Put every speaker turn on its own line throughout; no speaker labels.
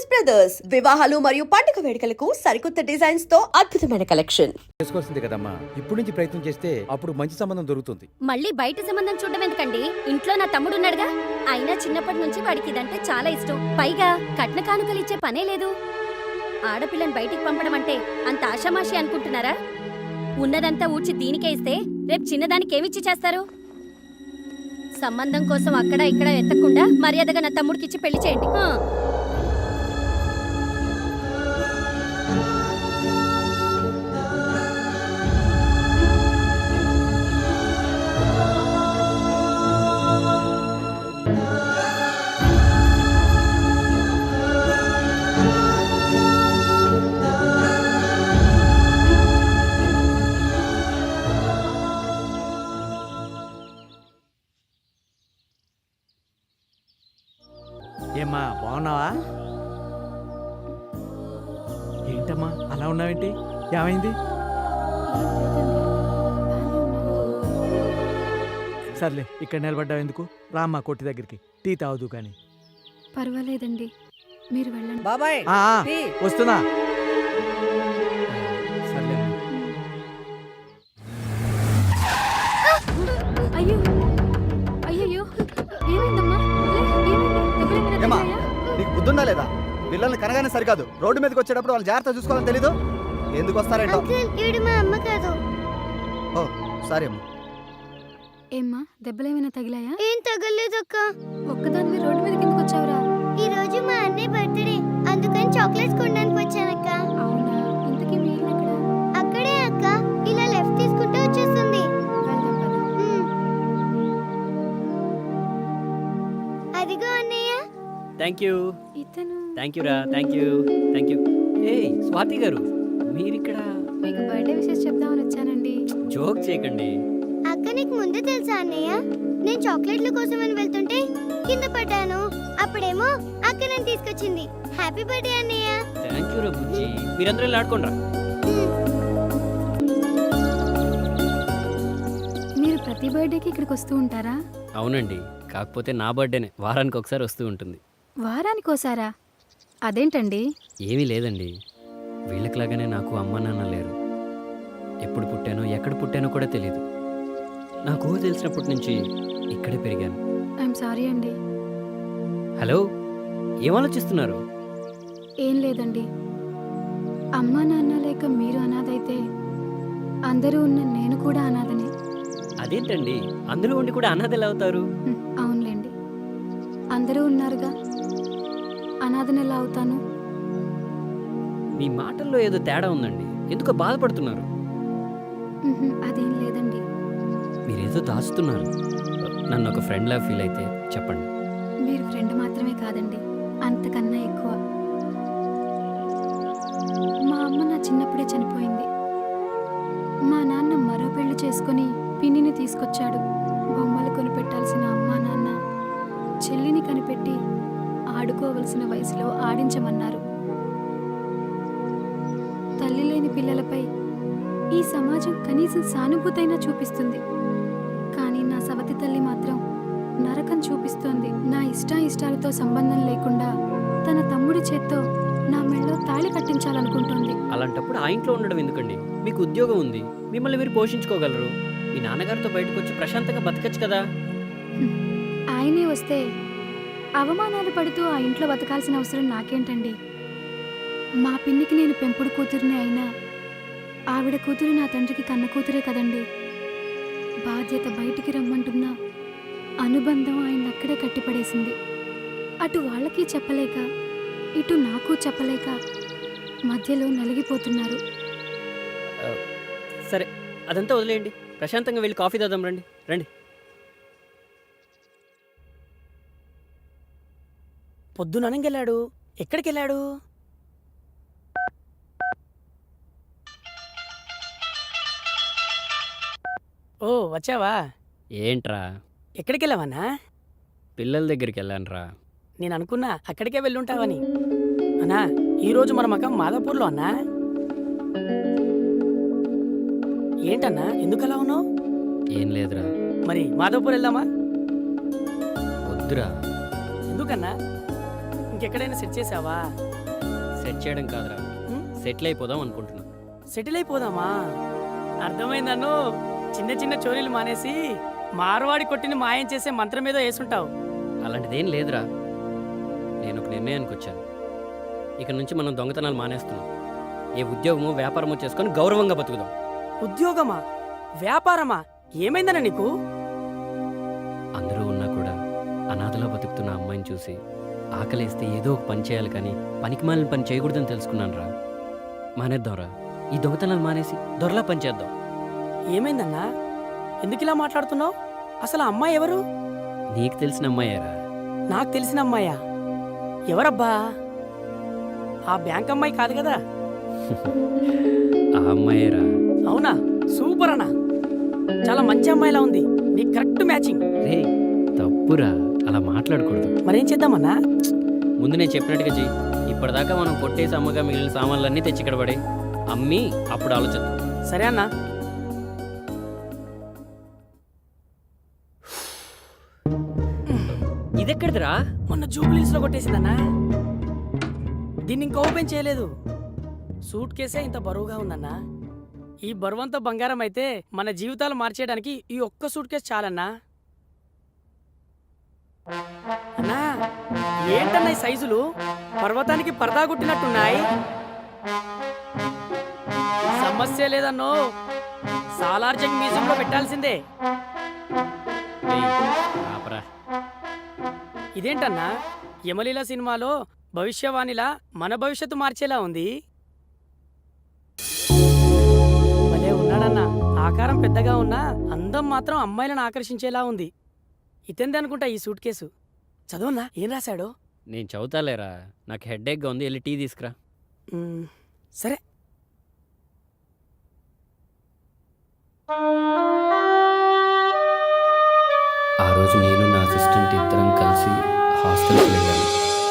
Brothers వివాహాలు మరియు పండుగ వేడుకలకు సరికొత్త డిజైన్స్ తో అద్భుతమైన కలెక్షన్.
చేసుకోవాల్సిందే కదమ్మా. ఇప్పుడు నుంచి ప్రయత్నం చేస్తే అప్పుడు మంచి సంబంధం దొరుకుతుంది.
మళ్ళీ బయట సంబంధం చూడడం ఎందుకండి? ఇంట్లో నా తమ్ముడు ఉన్నాడుగా. అయినా చిన్నప్పటి నుంచి వాడికి ఇదంటే చాలా ఇష్టం. పైగా కట్న కానుకలు ఇచ్చే పనే లేదు. ఆడపిల్లని బయటికి పంపడం అంటే అంత ఆషామాషి అనుకుంటున్నారా? ఉన్నదంతా ఊడ్చి దీనికే ఇస్తే రేపు చిన్నదానికి ఏమిచ్చి చేస్తారు? సంబంధం కోసం అక్కడ ఇక్కడ ఎత్తకుండా మర్యాదగా నా తమ్ముడికిచ్చి పెళ్లి చేయండి.
ఏమ్మా బాగున్నావా? ఏంటమ్మా అలా ఉన్నావేంటి? ఏమైంది? సర్లే ఇక్కడ నిలబడ్డావు ఎందుకు? రామ్మా కొట్టి దగ్గరికి, టీ తాగుదు కానీ.
పర్వాలేదండి, మీరు వెళ్ళండి.
బాబాయ్
వస్తున్నా. సర్లే
అయ్యో అయ్యయ్యో, ఏమైందమ్మా?
ఏమా నీకు బుద్ధుందా లేదా? పిల్లల్ని కనగానే సరికాదు, రోడ్డు మీదకి వచ్చేటప్పుడు వాళ్ళు జాగ్రత్త చూసుకోవాలని తెలీదు. ఎందుకు వస్తారేంటో. ఓ సారీ అమ్మా.
ఏమ్మా, దెబ్బలేమైనా తగిలాయా?
ఏం తగలేదక్క.
ఒక్కదానివి రోడ్డు మీద కిందకు వచ్చావురా?
ఈ రోజు మా అన్నయ్య బర్త్డే, అందుకని చాక్లెట్స్ కొనడానికి వచ్చానక్క.
అవునా? ఇంతకీ మీ ఇల్లు ఎక్కడ?
అక్కడే అక్క, ఇలా లెఫ్ట్ తీసుకుంటే వచ్చేస్తుంది.
వెళ్దాం పద.
అదిగో అన్నయ్య.
థాంక్యూ.
ఇతను
థాంక్యూ రా. థాంక్యూ. ఏయ్ స్వాతి గారు, మీరిక్కడ?
మీకు బర్త్డే విషెస్ చెప్దామని వచ్చానండి.
జోక్ చేయకండి.
అక్క నీకు ముందే తెలుసా అన్నయ్య? నేను చాక్లెట్ల కోసం అని వెళ్తుంటే కింద పడ్డాను. అప్పుడేమో అక్క నన్ను తీసుకొచ్చింది. హ్యాపీ బర్త్డే అన్నయ్య.
థాంక్యూ రా బుజ్జి. మీరందరూ ఇలా ఆడుకోండి రా.
మీరు ప్రతి బర్త్డేకి ఇక్కడికి వస్తూ ఉంటారా?
అవునండి, కాకపోతే నా బర్త్డేనే వారానికి ఒకసారి వస్తూ ఉంటుంది.
వారానికోసారా? అదేంటండి?
ఏమీ లేదండి, వీళ్ళకిలాగానే నాకు అమ్మ నాన్న లేరు. ఎప్పుడు పుట్టానో ఎక్కడ పుట్టానో కూడా తెలీదు. నాకు తెలిసినప్పటి నుంచి ఇక్కడే పెరిగాను.
ఐఎమ్ సారీ అండి.
హలో, ఏం ఆలోచిస్తున్నారు?
ఏం లేదండి, అమ్మా నాన్న లేక మీరు అనాథైతే అందరూ ఉన్న నేను కూడా అనాథనే.
అదేంటండి, అందరూ ఉండి కూడా అనాథ ఎలా అవుతారు?
అవునులేండి, అందరూ ఉన్నారుగా, అనాథని ఎలా అవుతాను?
మీ మాటల్లో ఏదో తేడా ఉందండి. ఎందుకో బాధపడుతున్నారు.
అదేం లేదండి.
మీరేదో దాచుతున్నారు. నన్ను ఒక ఫ్రెండ్లా ఫీల్ అయితే చెప్పండి.
మీరు ఫ్రెండ్ మాత్రమే కాదండి, అంతకన్నా ఎక్కువ. మా అమ్మ నా చిన్నప్పుడే చనిపోయింది. మా నాన్న మరో పెళ్లి చేసుకుని పిన్నిని తీసుకొచ్చాడు. బొమ్మలు కొనిపెట్టాల్సిన అమ్మా నాన్న చెల్లిని కనిపెట్టి ఆడుకోవలసిన వయసులో ఆడించమన్నారు. తల్లి లేని పిల్లలపై ఈ సమాజం కనీసం సానుభూతైనా చూపిస్తుంది, కానీ నా సవతి తల్లి మాత్రం నరకం చూపిస్తోంది. నా ఇష్టాలతో సంబంధం లేకుండా తన తమ్ముడి చేత్తో నా మెళ్ళలో తాళి కట్టించాలనుకుంటోంది.
అలాంటప్పుడు ఆ ఇంట్లో ఉండడం ఎందుకండి? మీకు ఉద్యోగం ఉంది, మిమ్మల్ని మీరు పోషించుకోగలరు. మీ నాన్నగారితో బయటకు వచ్చి ప్రశాంతంగా బతకచ్చు కదా.
ఆయనే వస్తే అవమానాలు పడుతూ ఆ ఇంట్లో బతకాల్సిన అవసరం నాకేంటండి? మా పిన్నికి నేను పెంపుడు కూతురిని అయినా ఆవిడ కూతురు నా తండ్రికి కన్న కూతురే కదండి. బాధ్యత బయటికి రమ్మంటున్నా అనుబంధం ఆయన అక్కడే కట్టిపడేసింది. అటు వాళ్ళకి చెప్పలేక ఇటు నాకు చెప్పలేక మధ్యలో నలిగిపోతున్నారు.
సరే, అదంతా వదిలేయండి. ప్రశాంతంగా వెళ్ళి కాఫీ తాదాం. రండి రండి.
పొద్దున అనంగెళ్ళాడు. ఎక్కడికి వెళ్ళాడు? ఓ వచ్చావా?
ఏంట్రా?
ఎక్కడికి వెళ్ళావన్నా?
పిల్లల దగ్గరికి వెళ్ళానురా.
నేను అనుకున్నా అక్కడికే వెళ్ళుంటావని. అన్నా, ఈరోజు మన మకం మాదాపూర్లో అన్నా. ఏంటన్నా ఎందుకలా ఉన్నావు?
ఏం లేదురా.
మరి మాదాపూర్ వెళ్దామా?
వద్దురా.
ఎందుకన్నా? ఇంకెక్కడైనా సెట్ చేసావా?
సెట్ చేయడం కాదురా, సెటిల్ అయిపోదాం అనుకుంటున్నా.
సెటిల్ అయిపోదామా? అర్థమైందన్ను. చిన్న చిన్న చోరీలు మానేసి మార్వాడి కొట్టిని మాయం చేసే మంత్రం ఏదో వేసుంటావు.
అలాంటిదేం లేదురా. నేను ఒక నిర్ణయానికి వచ్చాను. ఇక నుంచి మనం దొంగతనాలు మానేస్తున్నాం. ఏ ఉద్యోగమో వ్యాపారమో చేసుకొని గౌరవంగా బతుకుదాం.
ఉద్యోగమా? వ్యాపారమా? ఏమైందన్న నీకు?
అందరూ ఉన్నా కూడా అనాథలో బతుకుతున్న అమ్మాయిని చూసి ఆకలేస్తే ఏదో ఒక పని చేయాలి, కానీ పనికిమాలిన పని చేయకూడదని తెలుసుకున్నాను రా. మానేద్దాంరా. ఈ దొంగతనాలు మానేసి దొరలా పని చేద్దాం.
ఏమైందన్నా? ఎందుకు ఇలా మాట్లాడుతున్నావు? అసలు ఆ అమ్మాయి ఎవరు?
నీకు తెలిసిన అమ్మాయేరా.
నాకు తెలిసిన అమ్మాయా? ఎవరబ్బా? ఆ బ్యాంక్ అమ్మాయి కాదు కదా?
ఆ అమ్మాయేరా.
అవునా? సూపర్ అన్నా. చాలా మంచి అమ్మాయిలా ఉంది. నీకు కరెక్ట్ మ్యాచింగ్.
రే తప్పురా, అలా మాట్లాడకూడదు.
మరేం చేద్దామన్నా?
ముందు నేను చెప్పినట్టుగా చెయ్యి. ఇప్పటిదాకా మనం కొట్టేసి అమ్మగా మిగిలిన సామాన్లన్నీ తెచ్చి ఇక్కడ పడే అమ్మి అప్పుడు ఆలోచిద్దాం.
సరే అన్నా.
ఇదెక్కడిదిరా?
మొన్న జూబ్లీస్ లో కొట్టేసిందన్నా. దీన్ని ఇంకా ఓపెన్ చేయలేదు. సూట్ కేసే ఇంత బరువుగా ఉందన్నా. ఈ బరువంతా బంగారం అయితే మన జీవితాలు మార్చేయడానికి ఈ ఒక్క సూట్ కేసు చాలన్నా. అన్నా ఏంటన్నా ఈ సైజులు? పర్వతానికి పరదా కొట్టినట్టున్నాయి. సమస్య లేదన్నో. సాలార్జంగ్ మ్యూజియంలో పెట్టాల్సిందే.
ఆపరా.
ఇదేంటన్నా, యమలీల సినిమాలో భవిష్యవాణిలా మన భవిష్యత్తు మార్చేలా ఉంది. భలే ఉన్నాడన్నా. ఆకారం పెద్దగా ఉన్నా అందం మాత్రం అమ్మాయిలను ఆకర్షించేలా ఉంది. ఇతందే అనుకుంటా ఈ సూట్ కేసు. చదవన్నా, ఏం రాశాడో?
నేను చదువుతాలేరా. నాకు హెడ్ఏక్గా ఉంది, వెళ్ళి టీ తీసుకురా.
సరే.
ఆ రోజు నేను నా అసిస్టెంట్ ఇద్దరం కలిసి హాస్టల్కి వెళ్ళాను.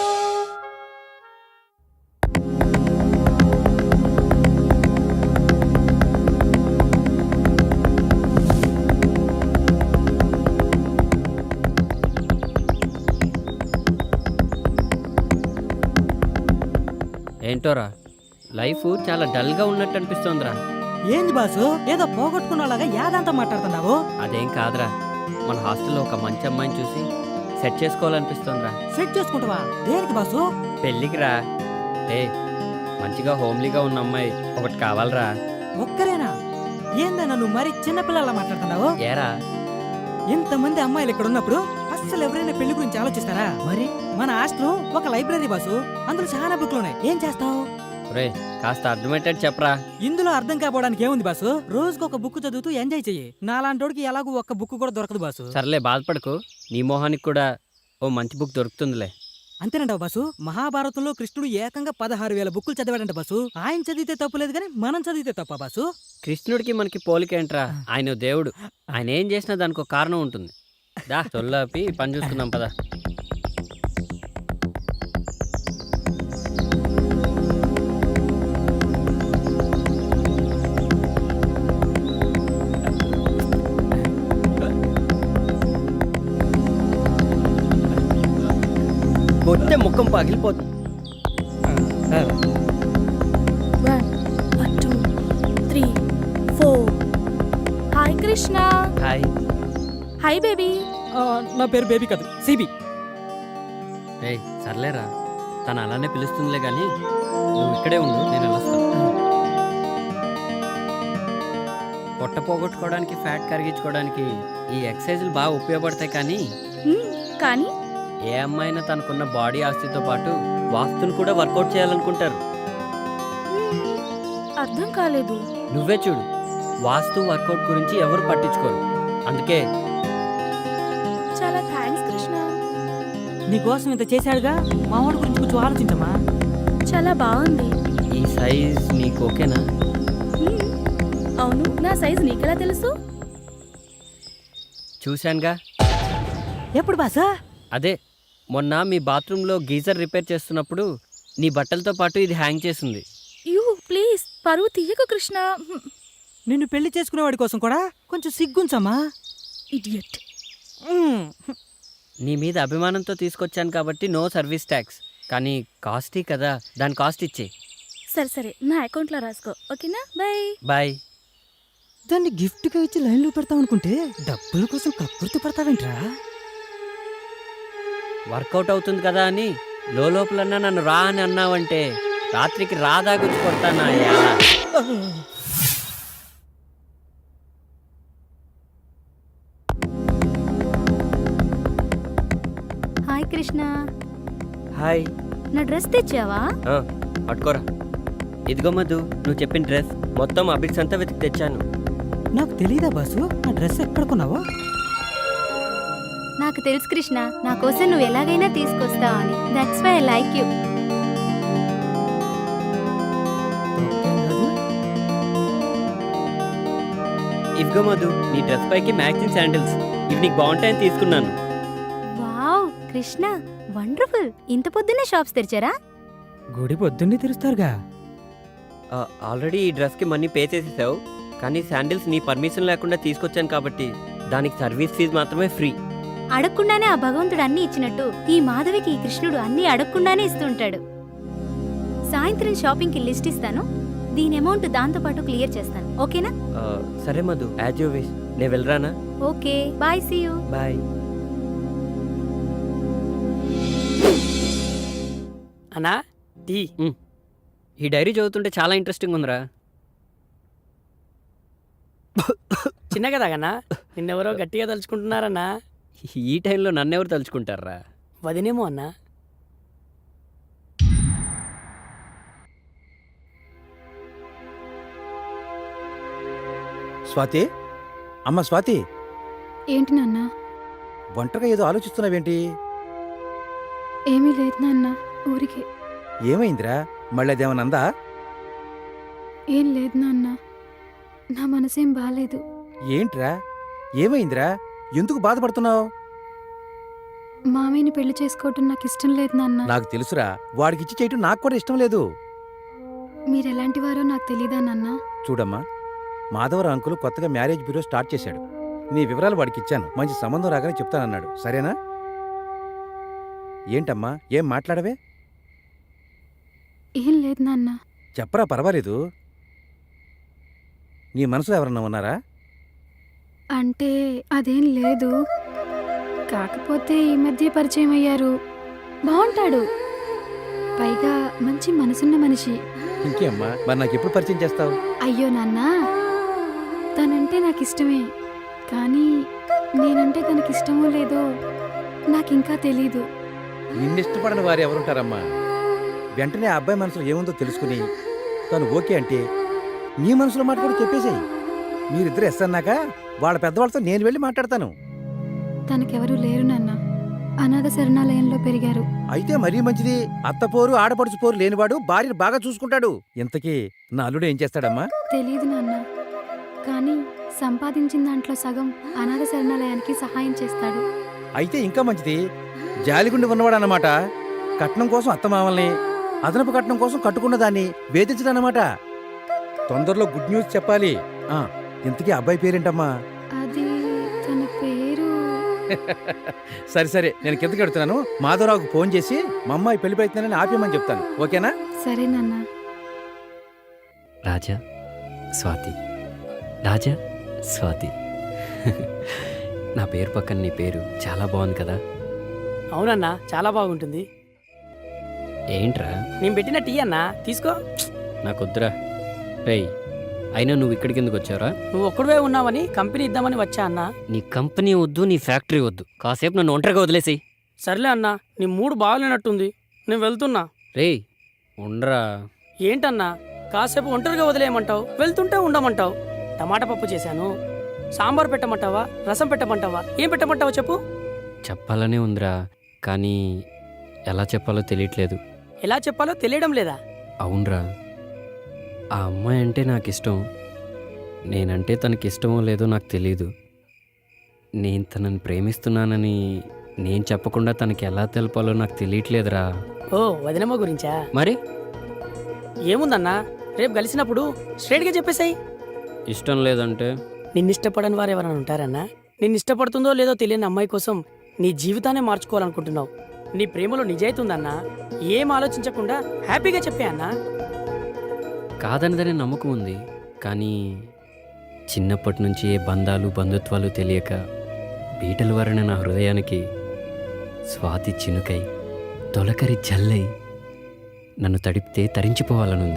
ఏంటోరా, లైఫ్ చాలా డల్గా ఉన్నట్టు అనిపిస్తోందిరా.
ఏంది బాసు, ఏదో పోగొట్టుకున్నలాగా యాదంతా మాట్లాడుతున్నావు?
అదేం కాదురా, మన హాస్టల్లో ఒక మంచి అమ్మాయిని చూసి సెట్ చేసుకోవాలనిపిస్తోందిరా.
సెట్ చేసుకుంటావా? దేనికి బాసు?
పెళ్ళికి రా. మంచిగా హోమ్లీగా ఉన్న అమ్మాయి ఒకటి కావాలరా.
ఒక్కరేనా? ఏందన్నా నువ్వు మరి చిన్నపిల్లలా మాట్లాడుతున్నావు?
ఏరా,
ఇంతమంది అమ్మాయిలు ఇక్కడ ఉన్నప్పుడు అస్సలు ఎవరైనా పెళ్లి గురించి ఆలోచిస్తారా? మరి మన హాస్టల్ ఒక లైబ్రరీ బాసు, అందులో చాలా బుక్లు ఉన్నాయి. ఏం చేస్తావు?
రే కాస్త అర్థమయ్యేటట్టు చెప్పరా.
ఇందులో అర్థం కాపోవడానికి ఏముంది బాసు? రోజుకు ఒక బుక్ చదువుతూ ఎంజాయ్ చెయ్యి. నాలాంటోడికి ఎలాగూ ఒక్క బుక్ కూడా దొరకదు బాసు.
సర్లే బాధపడకు, నీ మొహానికి కూడా ఓ మంచి బుక్ దొరుకుతుందిలే.
అంతేనంటావు బాసు? మహాభారతంలో కృష్ణుడు ఏకంగా 16,000 బుక్కులు చదివాడంట బాసు. ఆయన చదివితే తప్పులేదు కానీ మనం చదివితే తప్ప బాసు?
కృష్ణుడికి మనకి పోలికేంట్రా? ఆయన దేవుడు. ఆయన ఏం చేసినా దానికి ఒక కారణం ఉంటుంది. దా చొల్లాపి పని చూసుకుందాం పదా. కొట్టే ముఖం పగిలిపోతుంది.
1 2 3 4. Hi Krishna.
Hi.
Hi baby.
నా పేరు బేబీ కాదు, సిబి.
రే సర్లేరా, తను అలానే పిలుస్తుందిలే కానీ నువ్వు ఇక్కడే ఉండు, నేను వెళ్ళొస్తాను. పొట్ట పోగొట్టుకోవడానికి, ఫ్యాట్ కరిగించుకోవడానికి ఈ ఎక్సర్సైజులు బాగా ఉపయోగపడతాయి.
కానీ
ఏ అమ్మాయినా తనకున్న బాడీ ఆస్తితో పాటు వాస్తుని కూడా వర్కౌట్ చేయాలనుకుంటారు.
అర్థం కాలేదు.
నువ్వే చూడు, వాస్తు వర్కౌట్ గురించి ఎవరు పట్టించుకోరు. అందుకే
చాలా థ్యాంక్స్ కృష్ణ.
నీకోసం ఇంత చేశాడుగా, మా వాడి గురించి కొంచెం ఆలోచించమ్మా.
చాలా బాగుంది.
ఈ సైజ్ నీకు ఓకేనా?
అవును, నా సైజ్ నీకెలా తెలుసు?
చూశానుగా.
ఎప్పుడు బాసా?
అదే మొన్న మీ బాత్రూంలో గీజర్ రిపేర్ చేస్తున్నప్పుడు నీ బట్టలతో పాటు ఇది హ్యాంగ్ చేసింది.
యూ ప్లీజ్, పరువు తీయకు కృష్ణ.
నిన్ను పెళ్లి చేసుకునేవాడి కోసం కూడా కొంచెం సిగ్గుంచమ్మా.
ఇడియట్.
నీ మీద అభిమానంతో తీసుకొచ్చాను కాబట్టి నో సర్వీస్ ట్యాక్స్. కానీ కాస్టీ కదా, దాని కాస్ట్ ఇచ్చే.
సరే సరే, నా అకౌంట్లో రాసుకో, ఓకేనా? బాయ్.
బాయ్.
దాన్ని గిఫ్ట్గా ఇచ్చి లైన్లో పెడతాం అనుకుంటే డబ్బుల కోసం కక్కుర్తి పడతావేంట్రా?
వర్కౌట్ అవుతుంది కదా అని లోపలన్నా నన్ను రా అని అన్నావంటే రాత్రికి రాదా గుచ్చి కొడతానా?
Hi Krishna,
hi.
నా డ్రెస్ తెచ్చావా?
పట్టుకోరా. ఇదిగో మధు, నువ్వు చెప్పిన డ్రెస్ మొత్తం అబిడ్స్ అంతా వెతికి తెచ్చాను.
నాకు తెలీదా బాసు ఆ డ్రెస్ ఎక్కడ కొన్నావో?
నాకు తెలుసు కృష్ణ, నా కోసం నువ్వు ఎలాగైనా తీసుకొస్తావు అని. That's why I like you.
ఇదిగో మధు, నీ డ్రెస్ పైకి మ్యాచింగ్ శాండిల్స్. ఇవి నీకు బాగుంటాయని తీసుకున్నాను.
Wow Krishna, wonderful. ఇంత పొద్దున్నే షాప్స్ తెరిచారా?
గుడి పొద్దున్నే తెరుస్తారుగా.
ఆల్రెడీ ఈ డ్రెస్కి మనీ పే చేసేసావు, కానీ శాండిల్స్ నీ పర్మిషన్ లేకుండా తీసుకొచ్చాను కాబట్టి దానికి సర్వీస్ ఫీజు మాత్రమే ఫ్రీ.
అడగకుండానే ఆ భగవంతుడు అన్ని ఇచ్చినట్టు ఈ మాధవికి ఈ కృష్ణుడు అన్ని అడగకుండానే ఇస్తుంటాడు. సాయంత్రం షాపింగ్కి లిస్ట్ ఇస్తాను, దీని అమౌంట్ దాంతో పాటు క్లియర్ చేస్తాను, ఓకేనా?
సరే మధు, యాజ్ యూ విష్. నేను వెళ్ళరానా?
Okay bye, see you.
Bye.
అన్నా టీ.
ఈ డైరీ చదువుతుంటే చాలా ఇంట్రెస్టింగ్ ఉందిరా.
చిన్నగా తాగన్నా, నిన్నెవరో గట్టిగా తలుచుకుంటున్నారన్నా.
ఈ టైంలో నన్నెవరు తలుచుకుంటారా?
వదినేమో అన్నా.
స్వాతి, అమ్మ స్వాతి,
ఏంటి నాన్న?
ఒంటరిగా ఏదో ఆలోచిస్తున్నావేంటి?
ఏమీ లేదు నాన్న, ఊరికే.
ఏమైందిరా? మళ్ళీ అదేమన్నా అందా?
ఏం లేదు నాన్న, నా మనసేం బాలేదు.
ఏంట్రా? ఏమైందిరా? ఎందుకు బాధపడుతున్నావు?
మామయ్యని పెళ్లి చేసుకోవటం నాకు ఇష్టం లేదు నాన్న.
నాకు తెలుసురా, వాడికిచ్చి చేయటం నాకు కూడా ఇష్టం లేదు.
మీరెలాంటి వారో నాకు తెలీదా నాన్న?
చూడమ్మా, మాధవరావు అంకుల్ కొత్తగా మ్యారేజ్ బ్యూరో స్టార్ట్ చేశాడు. నీ వివరాలు వాడికి ఇచ్చాను, మంచి సంబంధం రాగానే చెప్తానన్నాడు. సరేనా? ఏంటమ్మా, ఏం మాట్లాడవే?
ఏం లేదు నాన్న.
చెప్పరా, పర్వాలేదు. నీ మనసులో ఎవరన్నా ఉన్నారా?
అంటే అదేం లేదు, కాకపోతే ఈ మధ్య పరిచయం అయ్యారు. బాగుంటాడు, పైగా మంచి మనసున్న మనిషి.
ఇంకేమ్మా, మరి నాకు ఎప్పుడు పరిచయం చేస్తావు?
అయ్యో నాన్న, తనంటే నాకు ఇష్టమే, కానీ నేనంటే తనకిష్టమో లేదో నాకింకా తెలీదు.
నిన్నిష్టపడని వారు ఎవరుంటారమ్మా? వెంటనే ఆ అబ్బాయి మనసులో ఏముందో తెలుసుకుని తను ఓకే అంటే నీ మనసులో మాట కూడా చెప్పేసేయి. మీరిద్దరు ఎస్ అన్నాక వాళ్ళ పెద్దవాళ్ళతో నేను వెళ్ళి మాట్లాడతాను.
తనకెవరూ లేరు నాన్న, అనాథ శరణాలయంలో పెరిగారు.
అయితే మరీ మంచిది. అత్తపోరు ఆడపడుచు పోరు లేనివాడు భార్యను బాగా చూసుకుంటాడు. ఇంతకీ నా అల్లుడు ఏం చేస్తాడమ్మా?
తెలీదు నాన్న, కానీ సంపాదించిన దాంట్లో సగం అనాథ శరణాలయానికి సహాయం చేస్తాడు.
అయితే ఇంకా మంచిది. జాలిగుండి ఉన్నవాడు అన్నమాట. కట్నం కోసం అత్తమామల్ని, అదనపు కట్నం కోసం కట్టుకున్న దాన్ని వేధించడన్నమాట. తొందరలో గుడ్ న్యూస్ చెప్పాలి. ఇంతకీ అబ్బాయి పేరేంటమ్మా?
అది తన పేరు.
సరే సరే, నేను కిందకి వెళ్తున్నాను. మాధవరావుకు ఫోన్ చేసి మా అమ్మాయి పెళ్లి ప్రయత్నాన్ని ఆపేయమని చెప్తాను, ఓకేనా?
సరే నాన్న.
రాజా, స్వాతి, రాజా, స్వాతి. నా పేరు పక్కన నీ పేరు చాలా బాగుంది కదా?
అవునన్నా, చాలా బాగుంటుంది.
ఏంట్రా?
నేను పెట్టిన టీ అన్నా, తీసుకో.
నాకొద్దురా. రేయ్, అయినా నువ్వు ఇక్కడికి ఎందుకు వచ్చావురా?
నువ్వు ఒక్కడివే ఉన్నావని కంపెనీ ఇద్దామని వచ్చా అన్నా.
నీ కంపెనీ వద్దు, నీ ఫ్యాక్టరీ వద్దు, కాసేపు నన్ను ఒంటరిగా వదిలేసి.
సర్లే అన్నా, నీ మూడు బాగాలేనట్టుంది, నేను వెళ్తున్నా.
రేయ్ ఉండరా.
ఏంటన్నా, కాసేపు ఒంటరిగా వదిలేయమంటావు, వెళ్తుంటే ఉండమంటావు. టమాటా పప్పు చేశాను, సాంబార్ పెట్టమంటావా, రసం పెట్టమంటావా, ఏం పెట్టమంటావా చెప్పు.
చెప్పాలనే ఉందిరా, కానీ ఎలా చెప్పాలో తెలియట్లేదు.
ఎలా చెప్పాలో తెలియడం లేదా?
అవునరా, ఆ అమ్మాయి అంటే నాకు ఇష్టం. నేనంటే తనకి ఇష్టమో లేదో నాకు తెలీదు. నేను తనని ప్రేమిస్తున్నానని నేను చెప్పకుండా తనకి ఎలా తెలపాలో నాకు తెలియట్లేదురా.
ఓ, వదినమ్మ గురించా?
మరి
ఏముందన్నా, రేపు కలిసినప్పుడు స్ట్రైట్గా చెప్పేసాయి.
ఇష్టం లేదంటే?
నిన్నిష్టపడని వారు ఎవరైనా ఉంటారన్నా? నిన్నిష్టపడుతుందో లేదో తెలియని అమ్మాయి కోసం నీ జీవితాన్ని మార్చుకోవాలనుకుంటున్నావు. నీ ప్రేమలో నిజాయితీ ఉందన్నా. ఏం ఆలోచించకుండా హ్యాపీగా చెప్పే అన్నా.
కాదనదనే నమ్మకం ఉంది, కానీ చిన్నప్పటి నుంచి ఏ బంధాలు బంధుత్వాలు తెలియక బీటలు వరణ నా హృదయానికి స్వాతి చినుకై తొలకరి జల్లై నన్ను తడిపితే తరించిపోవాలనుంది.